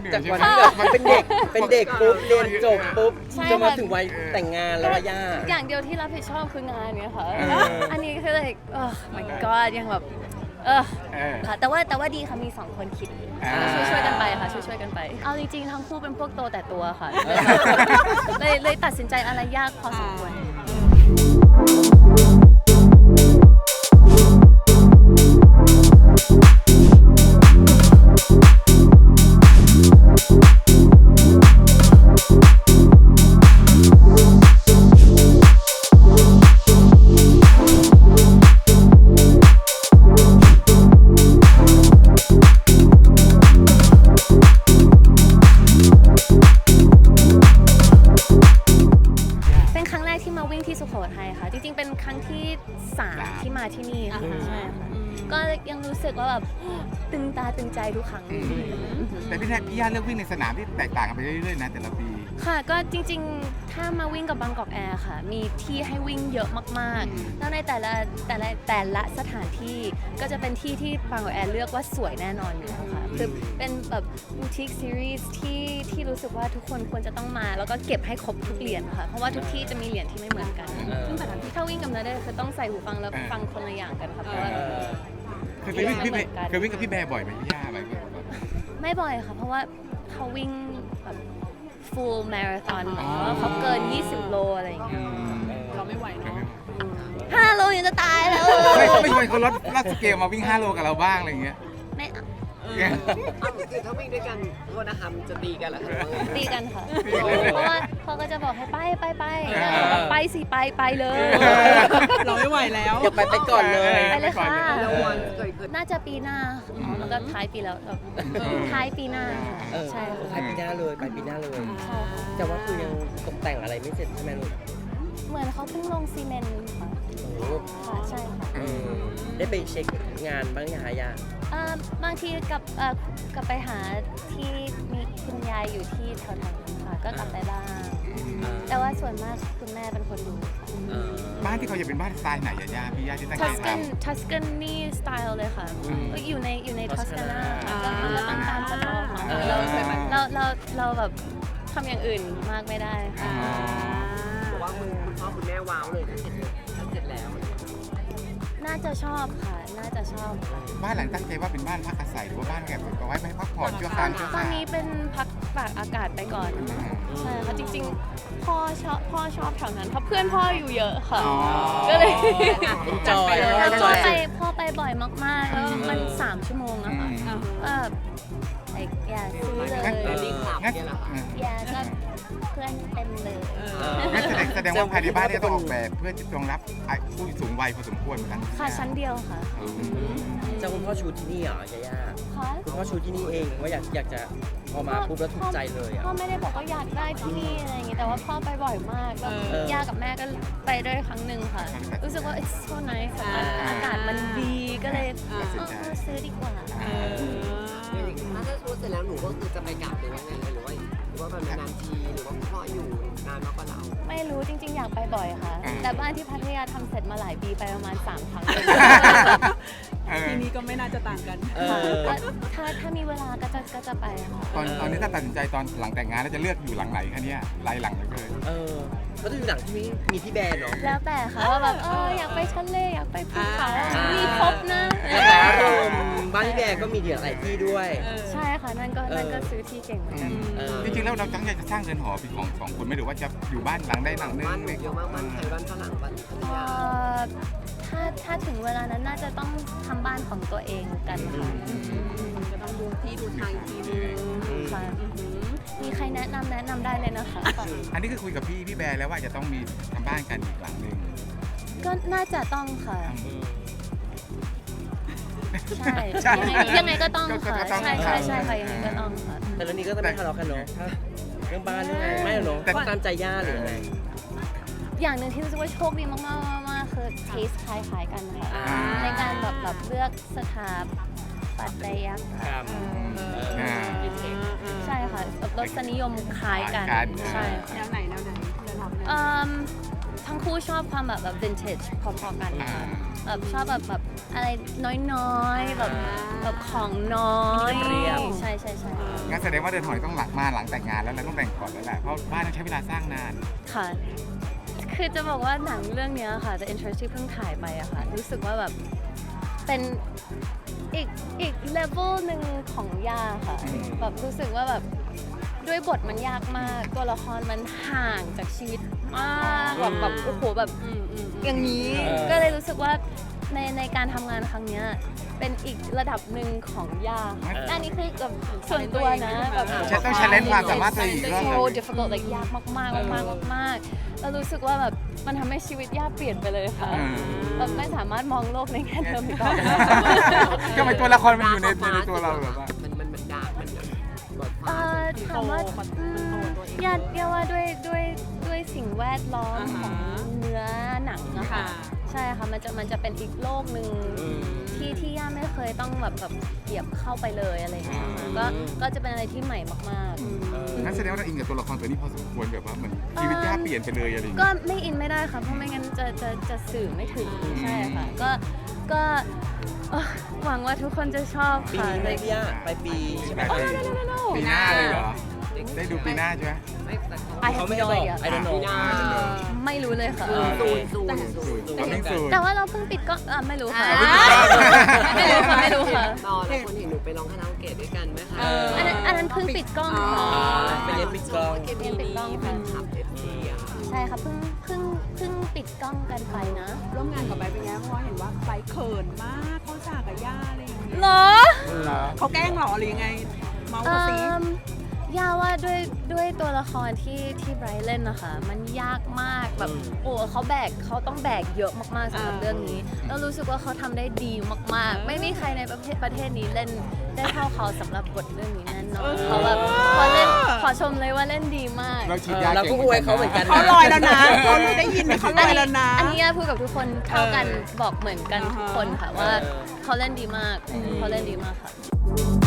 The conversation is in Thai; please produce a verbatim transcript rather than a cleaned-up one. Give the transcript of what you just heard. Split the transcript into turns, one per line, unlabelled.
จากวันที่แบบมันเป็นเด็กเป็นเด็กปุ๊บเรียนจบปุ๊บ
ใช่
จะมา
ค่ะ
ถึงวัยแต่งงานแล้วอะย่า
อย่างเดียวที่รับผิดชอบคืองานเนี่ยค่ะ
เออ
อันนี้คือ like เออ my god ยังแบบเออ
เออ
ค่ะแต่ว่าแต่ว่าดีค่ะมีสองคนคิด
อ่า
ช่วยช่วยกันไปค่ะช่วยช่วยกันไป เอาจริงๆทั้งคู่เป็นพวกโตแต่ตัวค่ะ เลยเลยตัดสินใจอะไรยากพอสมควร เป็นครั้งแรกที่มาวิ่งที่สุโขทัยค่ะ จริงๆ เป็นครั้งที่สามที่มาที่นี่ค่ะใช่ค่ะก็ยังรู้สึกว่าแบบตึงตาตึงใจทุกครั้ง
แต่พี่แท็กพี่ย่าเลือกวิ่งในสนามที่แตกต่างกันไปเรื่อยๆนะแต่ละปี
ค่ะก็จริงๆ ถ้ามาวิ่งกับบางกอกแอร์ค่ะ มีที่ให้วิ่งเยอะมากๆ แล้วในแต่ละแต่ละแต่ละสถานที่ก็จะเป็นที่ที่บางกอกแอร์เลือกว่าสวยแน่นอนอยู่แล้วค่ะคือเป็นแบบบูติกซีรีส์ที่ที่รู้สึกว่าทุกคนควรจะต้องมา แล้วก็เก็บให้ครบทุกเหรียญค่ะ เพราะว่าทุกที่จะมีเหรียญที่ไม่เหมือนกัน
เออ
ซึ่งแต่ละที่ถ้าวิ่งกับนาเดชน์คือต้องใส่หูฟังแล้วฟังคนละอย่างกันค่ะเพราะว่า
เออ
เคยไปวิ่งกับพี่แบร์เคยวิ่งกับพี่แบร์บ่อยไหมพี่ย่าไหม
ไม่บ่อยค่ะ เพราะว่าเขาวิ่งแบบ full marathon
อ๋อ
เขาเกิน ยี่สิบ โลอะไรอย่างเงี้ย
เราไม่ไหวเนาะ
ห้าโลยังจะตายแล้ว
ไม่ไม่ไม่คนลดลดสเกลมาวิ่งห้าโลกับเราบ้างอะไรอย่างเงี้ย
ไม่เอา
อ้าวคือถ้าวิ่งด้วยกันโทษนะคะมันจะตีกันเหรอคะ
ตีกันค่ะ
ตีกันเลย
เพราะว่าเขาก็จะบอกให้ไปไปไป
เออ
ไปสิไปไปเลย
เราไม่ไหวแล้ว
อยากไปไปก่อนเลย
ไปเลยค่ะ
แล้ววันเคยเคย
น่าจะปีหน้าอ๋อมันก็ท้ายปีแล้วแบบท้ายปีหน้าค่ะ
เออ
ใช่ค่ะ
ไปปีหน้าเลยไปปีหน้าเลย
ใช่ค่ะ
แต่ว่าคือยังตกแต่งอะไรไม่เสร็จใช่ไหมลูก
เหมือนเขาเพิ่งลงซีเมนต์ค่ะ
โอ้โห
ค่ะใช่ค่ะ
เออได้ไปเช็คงานบ้างยังคะย่า
เอ่อบางทีกลับเอ่อกลับไปหาที่มีคุณยายอยู่ที่แถวๆนั้นค่ะก็กลับไปบ้าง แต่ว่าส่วนมากคุณแม่เป็นคนดูค่ะ
เออ
บ้านที่เขาจะเป็นบ้านสไตล์ไหนอะย่าพี่ย่าที่ตั้งใจ
ทัส
ท
กันทัสกันนี่สไตล์เลยค่ะ
อืม
ก็อยู่ในอยู่ในทัสกานา
อ่า
ก็มันก็ต้องตามสไตล์ของ
เออ
เราเราเราเราแบบทำอย่างอื่นมากไม่ได้ค่ะ
บอกว่าคุณคุณพ่อคุณแม่ว้าวเลยถ้าเสร็จถ้าเสร็จแล้ว
น่าจะชอบค่ะ น่าจะชอบค่ะ
ำบ้านหลังตั้งใจว่าเป็นบ้านพักอาศัยหรือว่าบ้านแบบเอาไว้ไปพักผ่อนชั่วคราวชั่ว
ต
ค
อน
ราว
นี้เป็นพักตากอากาศไปก่อนใช่ค่ะจริงๆพ่อชอบพ่อชอบแถวนั้นเพราะเพื่อนพ่ออยู่เยอะค่ะ
อ๋อ
ก็เลย
จอย
แล้ว
จ
พ่อ
อย
ไปพ่อไปบ่อยมากๆ แล้วมันสามชั่วโมงอะค่ะ
อืม
ก็ไอ้อย่าซื้อเลย
งั้น งั้น
อย่าก็เพื่อนเต็มเลย
งั้นแสดงแสดงว่าภายในบ้านเนี่ยต้องออกแบบเพื่อจะรองรับผู้สูงวัยพอสมควรเหมือนกัน
ค่ะชั้นเดียวค่ะ
อืม
เจ้าคุณพ่อชูที่นี่เหรอย่าย่า
ค่ะ
คุณพ่อชูที่นี่เองว่าอยากอยากจะพอมาปุ๊บแล้วถูกใจเลยอ่ะ
พ่อไม่ได้บอกว่าอยากได้ที่นี่อะไรอย่างงี้แต่ว่าพ่อไปบ่อยมากแล้ว
เออย่
ากับแม่ก็ไปด้วยครั้งหนึ่งค่ะ รู้สึกว่า it's so nice อะอากาศมันดีก็เลยเออเออซื้อดีกว่า
ถ้าถ้าพูดเสร็จแล้วหนูก็คือจะไปกลับหรือว่าไงหรือว่าหรือว่าแบบนานๆทีหรือว่าคุณพ่ออยู่นานมากกว่าเรา
ไม่รู้จริงๆ อยากไปบ่อยค่ะ แต่บ้านที่พัทยาทำเสร็จมาหลายปีไปประมาณสามครั้งเลย
เออ
ทีนี้ก็ไม่น่าจะต่างกัน
เอ
ค่ะ
อ
ก็ถ้าถ้ามีเวลาก็จะก็จะไปค่ะ
ตอนตอนนี้ถ้าตัดสินใจตอนหลังแต่งงานแล้วจะเลือกอยู่หลังไหนคะเนี่ยไล่หลังเลย
เออก็จะอยู่หลังที่มีมีพี่แบร์เนาะ
แล้วแต่ค่ะว่าแบบเอออยากไปทะเลอยากไปภูเขา
อ่ามี
มีครบนะ
แต่ว่าเออบ้านพี่แบร์ก็มีเดียวหลายที่ด้วย
ใช่ค่ะนั่นก็นั่นก็ซื้อที่เก่งเหมือนกัน
เออ
จริงๆแล้วเราตั้งใจจะสร้างเรือนหอเป็นของสองคนไหมหรือว่าจะอยู่บ้านหลังได้หลังนึง
บ้านหนูเยอะมากบ้านไทยบ้านฝรั่งบ้านภรร
เอ่
ยา
อถ้าถ้าถึงเวลานั้นน่าจะต้องทำบ้านของตัวเองกันค่ะ
ก็ต้องดูที่ดูทางอีกทีนึง
ค่ะมีใครแนะนำแนะนำได้เลยนะคะ
อันนี้คือคุยกับพี่พี่แบร์แล้วว่าจะต้องมีทำบ้านกันอีกหลังนึง
ก็น่าจะต้องค่ะ ใช่
ใช่
ยังไงยังไงก็ต้อง
ก็
ค่ะ
ก็ต้อง
ใช่ใช่ใช่ค่ะยังไงก็ต้องค่ะ
แต่เรื่องนี้ก็จะไม่ทะเลาะกันเนาะถ้าเรื่องบ้านเรื่องอะไรไม่หรอกเนาะ
แต่
ตามใจย่าหรือยังไง
อย่างหนึ่งที่รู้สึกว่าโชคดีมากๆมากๆคือเทสคล้ายๆกันค่ะ
อ่า
ในการแบบแบบเลือกสถาปัตยกรรม
ครับ
อ่า
ใช่ค่ะแบบรสนิยมคล้ายกัน
คล้ายกัน
ใช่ค่ะ
แนวไหนแนวไหนเรือนหอเป็นแนวไหน
เอิ่มททั้งคู่ชอบความแบบแบบ vintage พอๆกันค่ะแบบชอบแบบแบบอะไรน้อยๆแบบแบบของน้อย
เรียบ
ใช่ใช่ใช่
งั้นแสดงว่าเดินหอยต้องหลังมาหลังแต่งงานแล้วเราต้องแต่งก่อนแล้วแหละเพราะบ้านต้องใช้เวลาสร้างนาน
ค่ะ คือจะบอกว่าหนังเรื่องเนี้ยค่ะ The Interest ที่เพิ่งถ่ายไปอะค่ะ รู้สึกว่าแบบเป็นอีกอีกเลเวลหนึ่งของย่าค่ะ แบบรู้สึกว่าแบบด้วยบทมันยากมาก ตัวละครมันห่างจากชีวิตมากแบบแบบโอ้โหแบบ
อืมอืม
อย่างนี้
เออ
ก็เลยรู้สึกว่าในในการทำงานครั้งเนี้ยเป็นอีกระดับหนึ่งของย่าค่ะอันนี้คือแบบส่วนตัวนะแบบ
ฉันต้อง challenge ความสามารถตัวเองอีกรอบหนึ่ง
so difficult like ยากมากมากมากๆมากๆแล้วรู้สึกว่าแบบมันทำให้ชีวิตย่าเปลี่ยนไปเลยค่ะ
อืม
แบบไม่สามารถมองโลกในแง่เดิมอีกต่อไป
ก็เป็นตัวละครมันอยู่ในในตัวเราแบบว่า
มันมันมันดาร์กมันแบบบท
เอ่
ฟ้า
อถามว่าอืมยาย่าว่าด้วยด้วยด้วยสิ่งแวดล้อมของเนื้อหนังอะค่ะ
ค่ะ
ใช่ค่ะ มันจะมันจะเป็นอีกโลกหนึ่งที่ที่ย่าไม่เคยต้องแบบแบบเหยียบเข้าไปเลยอะไรอย่างเงี้ยค่ะก็ก็จะเป็นอะไรที่ใหม่มาก
งั้นแสดงว่าเราอินกับตัวละครตัวนี้พอสมควรแบบว่าเหมือนชีวิตย่าเปลี่ยนไปเลยอะไรอย่าง
ๆ ก็
เงี้ย
ไม่อินไม่ได้ค่ะ เพราะไม่งั้นจะจะจะสื่อไม่ถึงใช่ค่ะ ก็ก็เอ่อหวังว่าทุกคนจะชอบ
ปี
ค่ะ
นี้ไหมพี่ย่าไปลายปีใช่ไหม
ปลายปีปีหน้าเลยเหรอ ได้ดูปีหน้าใช่ไหม
ไม่แต่เขา
I
เขา
have
ไม่
no
ได้บอก
idea
I don't know
ปีหน้า
ไม่รู้เลยค่ะ
ศูนย์ศูนย์ศูนย์
ตอนนี้สูตร
แต่ว่าเราเพิ่งปิดกล้องอ่ะไม่รู้ค่ะ
อ่า
ไม่รู้ค่ะไม่รู้ค่ะ
ตอนแล้วคนเห็นหนูไปร้องคาราโอเกะด้วยกันไหมคะ
เออ
อันนั้นอันนั้นเพิ่งปิดกล้องค่ะ
ไปเรียนปิดกล้อง
เกมีมีแฟนคลับเอฟซีอะค่ะ
ใช่ค่ะเพิ่งเพิ่งเพิ่งปิดกล้องกันไปนะ
ร่วมงานกับไบร์ทเป็นไงเพราะว่าเห็นว่าไบร์ทเขินมากเขาฉากกับย่าอะไรอย่างเงี้ย
เหรอ
เขาแกล้งเหรอหรือยังไง เมา
เอ่
ส์สิ
อย่าว่าด้วยด้วยตัวละครที่ที่ไบรท์เล่นนะคะ มันยากมากแบบ
อืม
โอ้เขาแบกเขาต้องแบกเยอะมากๆสำหรับเรื่องนี้ แล้วรู้สึกว่าเขาทำได้ดีมากๆ ไม่มีใครในประเทศประเทศนี้เล่นได้เท่าเขาสำหรับบทเรื่องนี้แน่นอนเขาแบบเขาเล่นขอชมเลยว่าเล่นดีมาก
เราฉีด
เออย
า
เราก็อวยเขาเหมือนกัน
เขาลอยแล้วนะเขาได้ยินไหมเขาลอยแล้วนะ
อันนี้ย่าพูดกับทุกคนเท่ากัน
เออ
บอกเหมือนกันทุกคนค่ะว่า
เออ
เขาเล่นดีมาก
อืม
เขาเล่นดีมากค่ะ